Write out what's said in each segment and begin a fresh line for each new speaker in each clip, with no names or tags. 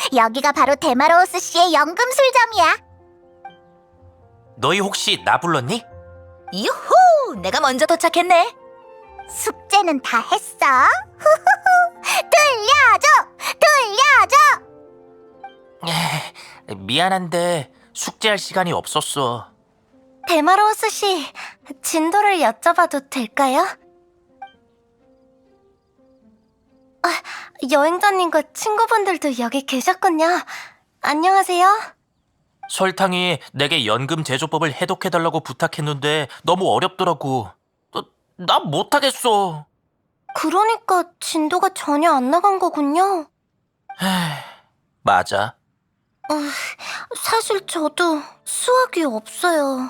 여기가 바로 데마로우스 씨의 연금술점이야.
너희 혹시 나 불렀니?
유후! 내가 먼저 도착했네.
숙제는 다 했어? 돌려줘!
미안한데 숙제할 시간이 없었어.
데마로우스 씨, 진도를 여쭤봐도 될까요? 여행자님과 친구분들도 여기 계셨군요. 안녕하세요.
설탕이 내게 연금 제조법을 해독해달라고 부탁했는데 너무 어렵더라고. 나 못하겠어.
그러니까 진도가 전혀 안 나간 거군요.
맞아.
사실 저도 수학이 없어요.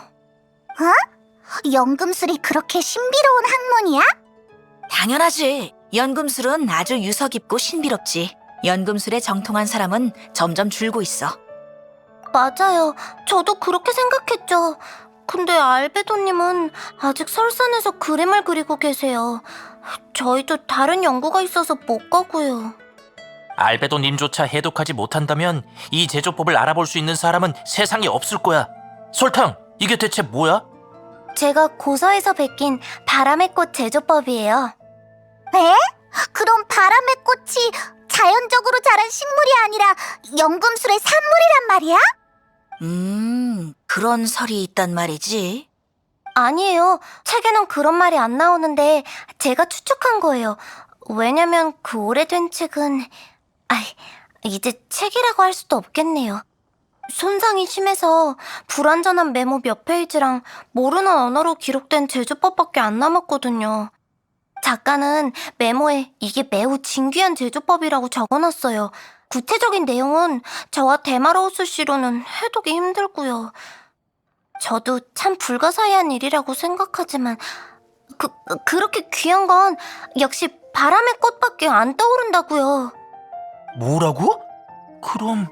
연금술이 그렇게 신비로운 학문이야?
당연하지. 연금술은 아주 유서 깊고 신비롭지. 연금술에 정통한 사람은 점점 줄고 있어.
맞아요. 저도 그렇게 생각했죠. 근데 알베도님은 아직 설산에서 그림을 그리고 계세요. 저희도 다른 연구가 있어서 못 가고요.
알베도님조차 해독하지 못한다면 이 제조법을 알아볼 수 있는 사람은 세상에 없을 거야. 설탕, 이게 대체 뭐야?
제가 고서에서 베낀 바람의 꽃 제조법이에요.
에? 그럼 바람의 꽃이 자연적으로 자란 식물이 아니라 연금술의 산물이란 말이야?
그런 설이 있단 말이지.
아니에요. 책에는 그런 말이 안 나오는데 제가 추측한 거예요. 왜냐면 그 오래된 책은... 이제 책이라고 할 수도 없겠네요. 손상이 심해서 불완전한 메모 몇 페이지랑 모르는 언어로 기록된 제조법밖에 안 남았거든요. 작가는 메모에 이게 매우 진귀한 제조법이라고 적어놨어요. 구체적인 내용은 저와 데마로우스 씨로는 해독이 힘들고요. 저도 참 불가사의한 일이라고 생각하지만 그렇게 귀한 건 역시 바람의 꽃밖에 안 떠오른다고요.
뭐라고? 그럼...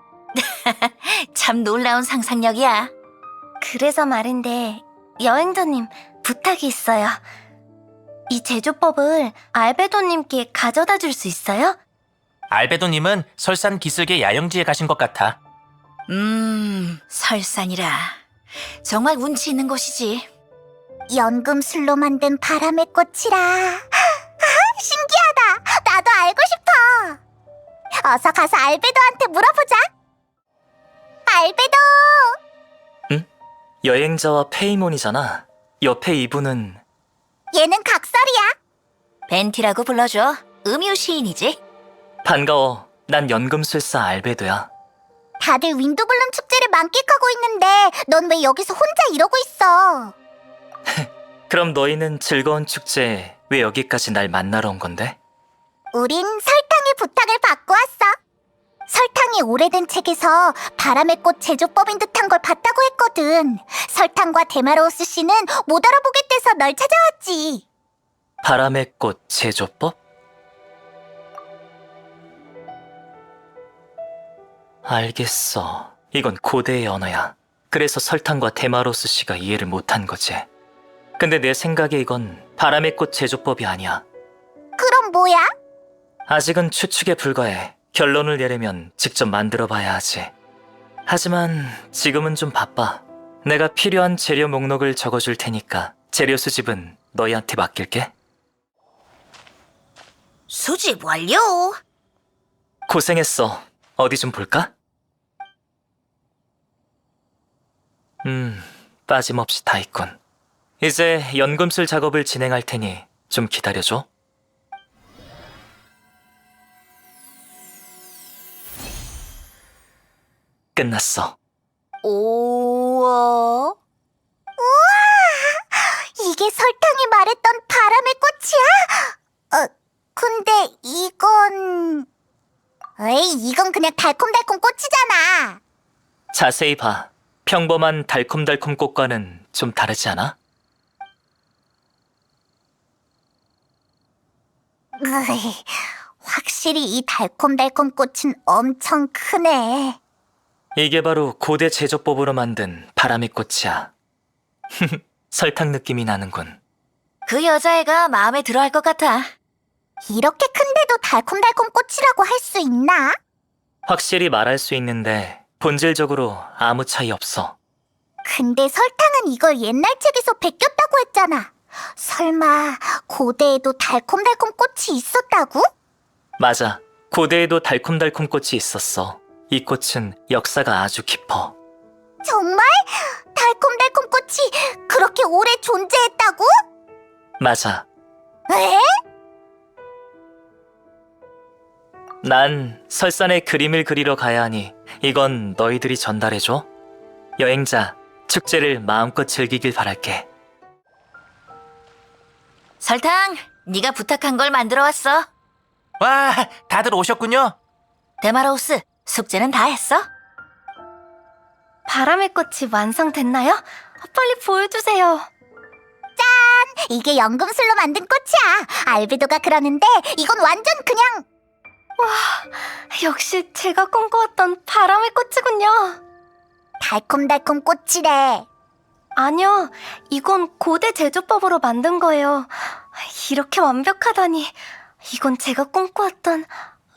참 놀라운 상상력이야.
그래서 말인데 여행자님 부탁이 있어요. 이 제조법을 알베도님께 가져다 줄 수 있어요?
알베도님은 설산 기슭의 야영지에 가신 것 같아.
설산이라. 정말 운치 있는 곳이지.
연금술로 만든 바람의 꽃이라. 신기하다. 나도 알고 싶어. 어서 가서 알베도한테 물어보자. 알베도!
여행자와 페이몬이잖아. 옆에 이분은
얘는 각설이야.
벤티라고 불러줘. 음유 시인이지.
반가워. 난 연금술사 알베도야.
다들 윈드블룸 축제를 만끽하고 있는데 넌 왜 여기서 혼자 이러고 있어?
그럼 너희는 즐거운 축제에 왜 여기까지 날 만나러 온 건데?
우린 설탕의 부탁을 받고 왔어. 설탕이 오래된 책에서 바람의 꽃 제조법인 듯한 걸 봤다고 했거든. 설탕과 데마로우스 씨는 못 알아보겠대서 널 찾아왔지.
바람의 꽃 제조법? 알겠어. 이건 고대의 언어야. 그래서 설탕과 데마로우스 씨가 이해를 못한 거지. 근데 내 생각에 이건 바람의 꽃 제조법이 아니야.
그럼 뭐야?
아직은 추측에 불과해. 결론을 내려면 직접 만들어 봐야 하지. 하지만 지금은 좀 바빠. 내가 필요한 재료 목록을 적어줄 테니까 재료 수집은 너희한테 맡길게.
수집 완료.
고생했어. 어디 좀 볼까? 빠짐없이 다 있군. 이제 연금술 작업을 진행할 테니 좀 기다려줘. 끝났어.
우와.
이게 설탕이 말했던 바람의 꽃이야? 근데 이건... 이건 그냥 달콤달콤 꽃이잖아.
자세히 봐. 평범한 달콤달콤 꽃과는 좀 다르지 않아?
확실히 이 달콤달콤 꽃은 엄청 크네.
이게 바로 고대 제조법으로 만든 바람의 꽃이야. 설탕 느낌이 나는군.
그 여자애가 마음에 들어 할 것 같아.
이렇게 큰데도 달콤달콤 꽃이라고 할 수 있나?
확실히 말할 수 있는데 본질적으로 아무 차이 없어.
근데 설탕은 이걸 옛날 책에서 베꼈다고 했잖아. 설마 고대에도 달콤달콤 꽃이 있었다고?
맞아. 고대에도 달콤달콤 꽃이 있었어. 이 꽃은 역사가 아주 깊어.
정말? 달콤달콤 꽃이 그렇게 오래 존재했다고?
맞아.
에?
난 설산에 그림을 그리러 가야 하니 이건 너희들이 전달해줘. 여행자, 축제를 마음껏 즐기길 바랄게.
설탕, 네가 부탁한 걸 만들어 왔어.
와, 다들 오셨군요.
데마로우스, 숙제는 다 했어?
바람의 꽃이 완성됐나요? 빨리 보여주세요.
이게 연금술로 만든 꽃이야. 알베도가 그러는데 이건 완전 그냥
역시 제가 꿈꿔왔던 바람의 꽃이군요.
달콤달콤 꽃이래.
아니요, 이건 고대 제조법으로 만든 거예요. 이렇게 완벽하다니. 이건 제가 꿈꿔왔던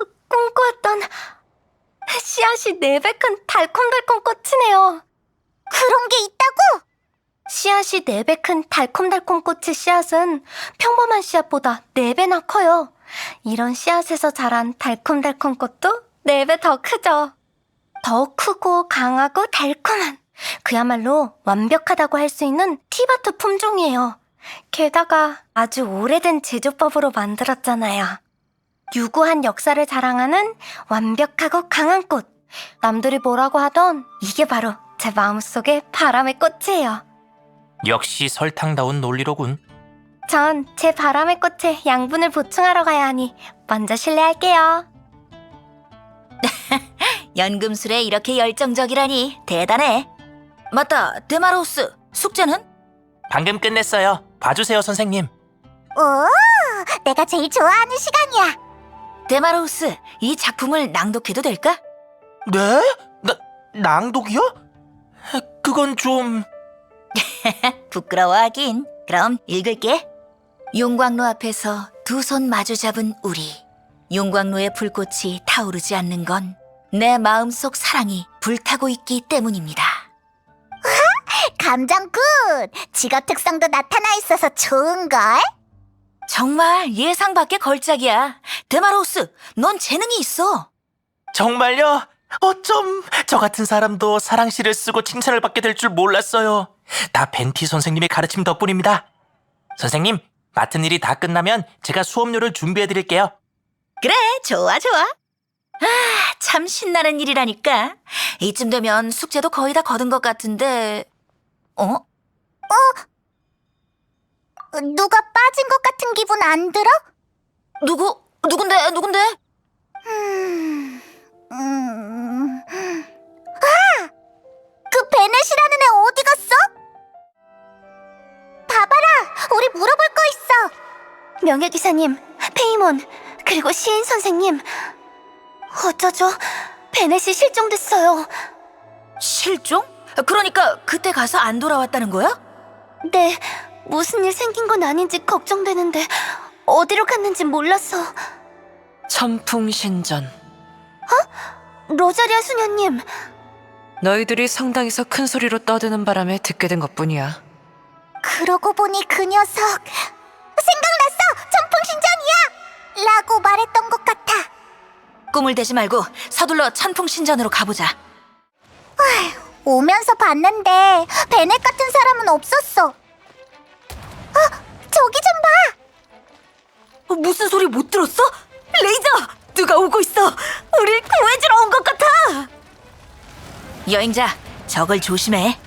씨앗이 4배 큰 달콤달콤 꽃이네요.
그런 게 있다고?
씨앗이 4배 큰 달콤달콤 꽃의 씨앗은 평범한 씨앗보다 4배나 커요. 이런 씨앗에서 자란 달콤달콤 꽃도 4배 더 크죠. 더 크고 강하고 달콤한, 그야말로 완벽하다고 할 수 있는 티바트 품종이에요. 게다가 아주 오래된 제조법으로 만들었잖아요. 유구한 역사를 자랑하는 완벽하고 강한 꽃. 남들이 뭐라고 하던 이게 바로 제 마음속의 바람의 꽃이에요.
역시 설탕다운 논리로군.
전 제 바람의 꽃에 양분을 보충하러 가야 하니 먼저 실례할게요.
연금술에 이렇게 열정적이라니 대단해. 맞다, 데마로우스, 숙제는?
방금 끝냈어요. 봐주세요, 선생님.
오, 내가 제일 좋아하는 시간이야.
데마로우스, 이 작품을 낭독해도 될까?
네? 낭독이요? 그건 좀...
부끄러워하긴. 그럼 읽을게. 용광로 앞에서 두 손 마주 잡은 우리. 용광로의 불꽃이 타오르지 않는 건 내 마음속 사랑이 불타고 있기 때문입니다.
감정 굿! 직업 특성도 나타나 있어서 좋은걸?
정말 예상 밖의 걸작이야. 데마로우스, 넌 재능이 있어.
정말요? 어쩜 저 같은 사람도 사랑시를 쓰고 칭찬을 받게 될 줄 몰랐어요. 다 벤티 선생님의 가르침 덕분입니다. 선생님, 맡은 일이 다 끝나면 제가 수업료를 준비해드릴게요.
그래, 좋아, 좋아. 참 신나는 일이라니까. 이쯤 되면 숙제도 거의 다 거둔 것 같은데...
누가 빠진 것 같은 기분 안 들어?
누군데?
그 베넷이라는 애 어디 갔어? 봐봐라, 우리 물어볼 거 있어.
명예기사님, 페이몬, 그리고 시인 선생님. 어쩌죠? 베넷이 실종됐어요.
실종? 그러니까 그때 가서 안 돌아왔다는 거야?
네, 무슨 일 생긴 건 아닌지 걱정되는데 어디로 갔는지 몰라서.
천풍신전.
로자리아 수녀님,
너희들이 성당에서 큰 소리로 떠드는 바람에 듣게 된 것뿐이야.
그러고 보니 그 녀석 생각났어! 천풍신전이야! 라고 말했던 것 같아.
꿈을 대지 말고 서둘러 천풍신전으로 가보자.
오면서 봤는데 베넷 같은 사람은 없었어. 저기 좀 봐!
무슨 소리 못 들었어? 레이저! 누가 오고 있어! 우릴 구해주러 온 것 같아! 여행자, 적을 조심해.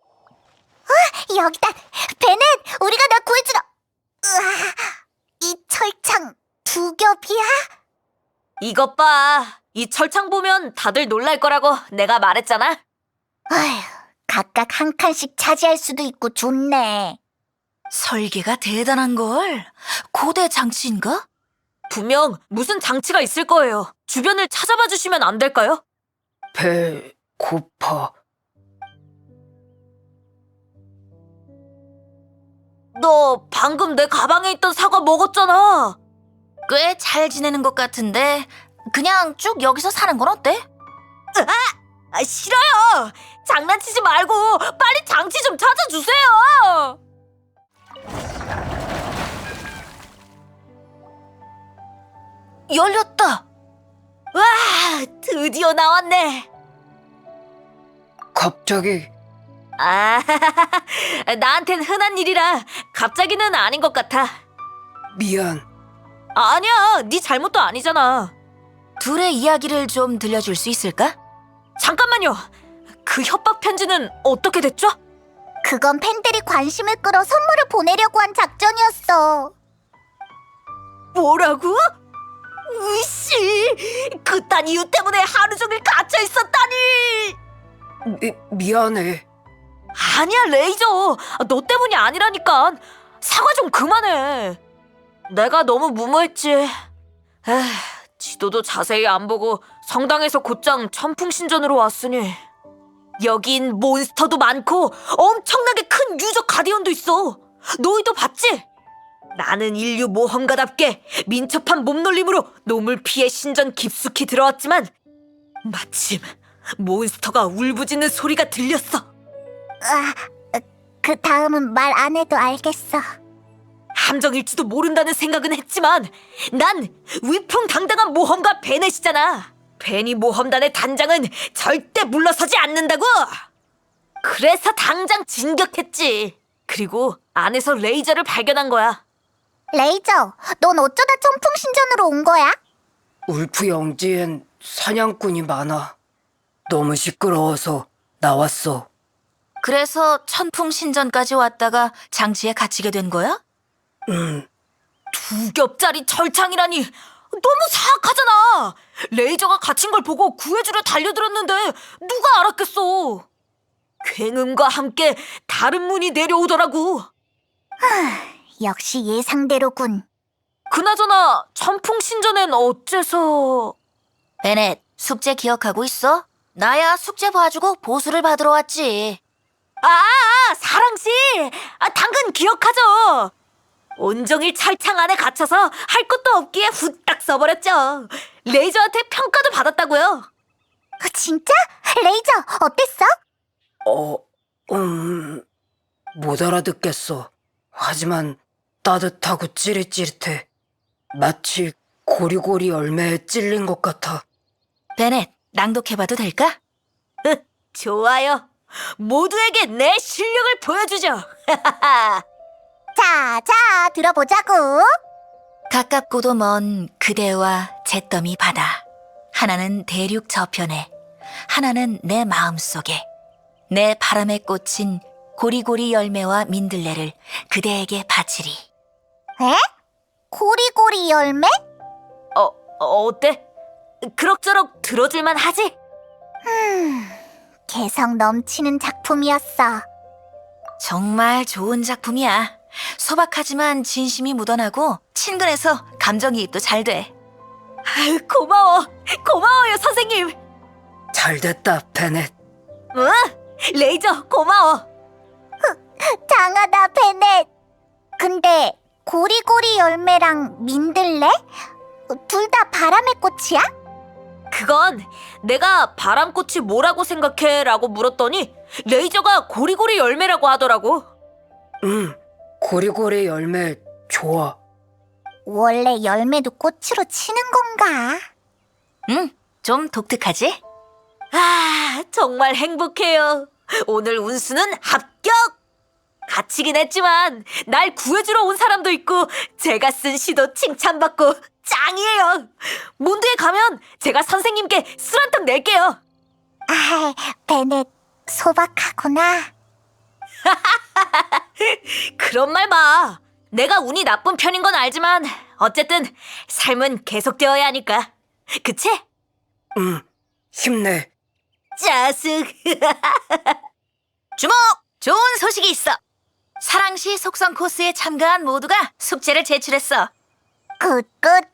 여기다! 베넷! 우리가 널 구해주러! 으아, 이 철창 두 겹이야?
이것 봐. 이 철창 보면 다들 놀랄 거라고 내가 말했잖아.
아휴, 각각 한 칸씩 차지할 수도 있고 좋네.
설계가 대단한걸. 고대 장치인가? 분명 무슨 장치가 있을 거예요. 주변을 찾아봐 주시면 안 될까요?
배 고파.
너 방금 내 가방에 있던 사과 먹었잖아. 꽤 잘 지내는 것 같은데 그냥 쭉 여기서 사는 건 어때? 싫어요. 장난치지 말고 빨리 장치 좀 찾아주세요. 열렸다. 와, 드디어 나왔네.
갑자기
아, 나한텐 흔한 일이라 갑자기는 아닌 것 같아.
미안.
아니야, 네 잘못도 아니잖아.
둘의 이야기를 좀 들려줄 수 있을까?
잠깐만요. 그 협박 편지는 어떻게 됐죠?
그건 팬들이 관심을 끌어 선물을 보내려고 한 작전이었어.
뭐라고? 으씨, 그딴 이유 때문에 하루 종일 갇혀 있었다니.
미안해.
아니야, 레이저. 너 때문이 아니라니까. 사과 좀 그만해. 내가 너무 무모했지. 에휴, 지도도 자세히 안 보고 성당에서 곧장 천풍신전으로 왔으니. 여긴 몬스터도 많고 엄청나게 큰 유적 가디언도 있어. 너희도 봤지? 나는 인류 모험가답게 민첩한 몸놀림으로 놈을 피해 신전 깊숙이 들어왔지만 마침 몬스터가 울부짖는 소리가 들렸어.
그 다음은 말 안 해도 알겠어.
함정일지도 모른다는 생각은 했지만 난 위풍당당한 모험가 베넷이잖아. 베니 모험단의 단장은 절대 물러서지 않는다고. 그래서 당장 진격했지. 그리고 안에서 레이저를 발견한 거야.
레이저, 넌 어쩌다 천풍신전으로 온 거야?
울프 영지엔 사냥꾼이 많아. 너무 시끄러워서 나왔어.
그래서 천풍신전까지 왔다가 장치에 갇히게 된 거야?
두 겹짜리 철창이라니 너무 사악하잖아. 레이저가 갇힌 걸 보고 구해주려 달려들었는데 누가 알았겠어. 굉음과 함께 다른 문이 내려오더라고.
역시 예상대로군.
그나저나 천풍신전엔 어째서...
베넷, 숙제 기억하고 있어? 나야 숙제 봐주고 보수를 받으러 왔지.
사랑씨! 당근 기억하죠? 온종일 철창 안에 갇혀서 할 것도 없기에 후딱 써버렸죠. 레이저한테 평가도 받았다고요.
진짜? 레이저, 어땠어?
못 알아듣겠어. 하지만 따뜻하고 찌릿찌릿해. 마치 고리고리 열매에 찔린 것 같아.
베넷, 낭독해봐도 될까?
좋아요. 모두에게 내 실력을 보여주죠.
자, 들어보자고.
가깝고도 먼 그대와 잿더미 바다. 하나는 대륙 저편에, 하나는 내 마음속에. 내 바람에 꽂힌 고리고리 열매와 민들레를 그대에게 바치리.
에? 고리고리 열매?
어때? 그럭저럭 들어줄만 하지?
개성 넘치는 작품이었어.
정말 좋은 작품이야. 소박하지만 진심이 묻어나고 친근해서 감정이입도 잘 돼.
아유, 고마워요, 선생님.
잘됐다, 베넷.
응, 레이저 고마워.
장하다, 베넷. 근데 고리고리 열매랑 민들레? 둘 다 바람의 꽃이야?
그건 내가 바람꽃이 뭐라고 생각해? 라고 물었더니 레이저가 고리고리 열매라고 하더라고.
고리고리 열매 좋아.
원래 열매도 꽃으로 치는 건가?
응, 좀 독특하지?
정말 행복해요. 오늘 운수는 합격! 갇히긴 했지만 날 구해주러 온 사람도 있고 제가 쓴 시도 칭찬받고 짱이에요. 몬드에 가면 제가 선생님께 술 한 턱 낼게요.
베넷 소박하구나.
그런 말 마. 내가 운이 나쁜 편인 건 알지만 어쨌든 삶은 계속되어야 하니까. 그치?
힘내.
짜식.
주목! 좋은 소식이 있어. 사랑시 속성 코스에 참가한 모두가 숙제를 제출했어.
굿.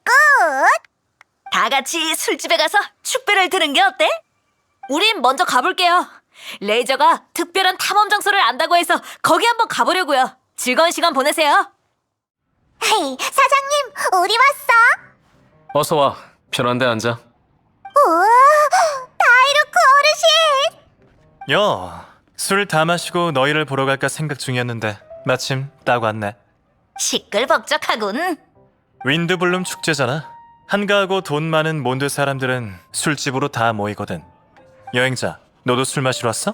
다 같이 술집에 가서 축배를 드는 게 어때?
우린 먼저 가볼게요. 레이저가 특별한 탐험 장소를 안다고 해서 거기 한번 가보려고요. 즐거운 시간 보내세요.
헤이, 사장님, 우리 왔어.
어서 와. 편한 데 앉아.
우와, 다이루코.
야, 술 다 마시고 너희를 보러 갈까 생각 중이었는데 마침 딱 왔네.
시끌벅적하군.
윈드블룸 축제잖아. 한가하고 돈 많은 몬드 사람들은 술집으로 다 모이거든. 여행자, 너도 술 마시러 왔어?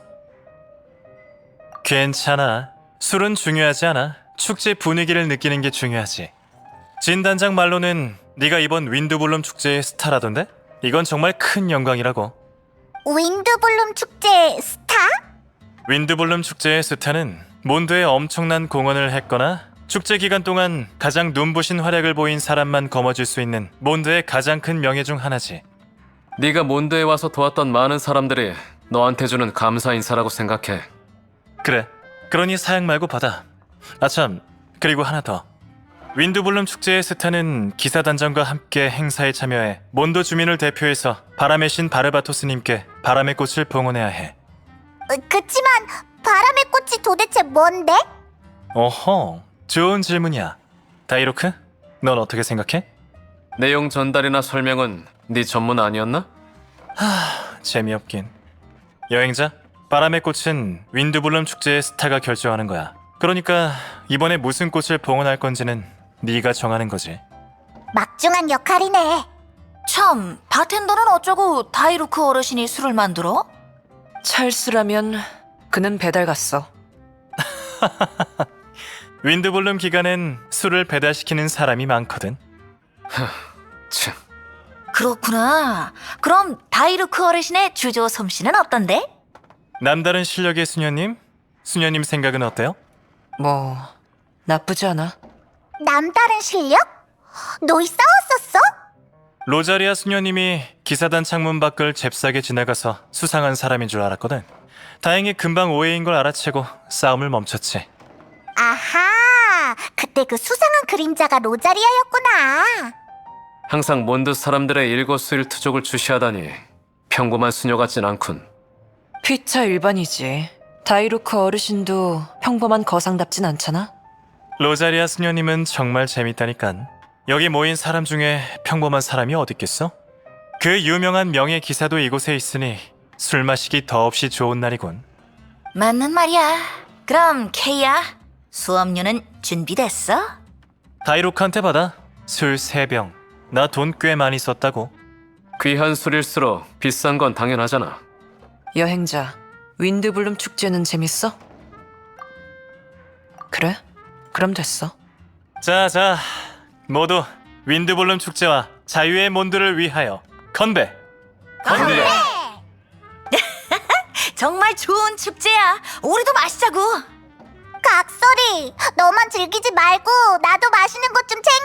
괜찮아. 술은 중요하지 않아. 축제 분위기를 느끼는 게 중요하지. 진 단장 말로는 네가 이번 윈드블룸 축제의 스타라던데? 이건 정말 큰 영광이라고.
윈드블룸 축제 스타?
윈드블룸 축제의 스타는 몬드에 엄청난 공헌을 했거나 축제 기간 동안 가장 눈부신 활약을 보인 사람만 거머쥘 수 있는 몬드의 가장 큰 명예 중 하나지.
네가 몬드에 와서 도왔던 많은 사람들이 너한테 주는 감사 인사라고 생각해.
그래. 그러니 사양 말고 받아. 아참, 그리고 하나 더. 윈드블룸 축제의 스타는 기사단장과 함께 행사에 참여해 몬드 주민을 대표해서 바람의 신 바르바토스님께 바람의 꽃을 봉헌해야 해.
그치만 바람의 꽃이 도대체 뭔데?
어허, 좋은 질문이야. 다이로크, 넌 어떻게 생각해?
내용 전달이나 설명은 네 전문 아니었나?
재미없긴. 여행자, 바람의 꽃은 윈드블룸 축제의 스타가 결정하는 거야. 그러니까 이번에 무슨 꽃을 봉헌할 건지는 네가 정하는 거지.
막중한 역할이네.
참, 바텐더는 어쩌고 다이루크 어르신이 술을 만들어?
찰스라면 그는 배달 갔어.
윈드블룸 기간엔 술을 배달시키는 사람이 많거든.
참,
그렇구나. 그럼 다이루크 어르신의 주조 솜씨는 어떤데?
남다른 실력의 수녀님? 수녀님 생각은 어때요?
뭐 나쁘지 않아.
남다른 실력? 너희 싸웠었어?
로자리아 수녀님이 기사단 창문 밖을 잽싸게 지나가서 수상한 사람인 줄 알았거든. 다행히 금방 오해인 걸 알아채고 싸움을 멈췄지.
아하, 그때 그 수상한 그림자가 로자리아였구나.
항상 몬드 사람들의 일거수일투족을 주시하다니 평범한 수녀 같진 않군.
피차 일반이지. 다이루크 어르신도 평범한 거상답진 않잖아.
로자리아 수녀님은 정말 재밌다니깐. 여기 모인 사람 중에 평범한 사람이 어딨겠어? 그 유명한 명예 기사도 이곳에 있으니 술 마시기 더없이 좋은 날이군.
맞는 말이야. 그럼 케이야, 수업료는 준비됐어?
다이로크한테 받아. 술 3병. 나 돈 꽤 많이 썼다고.
귀한 술일수록 비싼 건 당연하잖아.
여행자, 윈드블룸 축제는 재밌어? 그래? 그럼 됐어.
자, 모두 윈드블룸 축제와 자유의 몬드를 위하여 건배! 건배!
정말 좋은 축제야. 우리도 마시자고.
각설이, 너만 즐기지 말고 나도 마시는 것 좀 제발.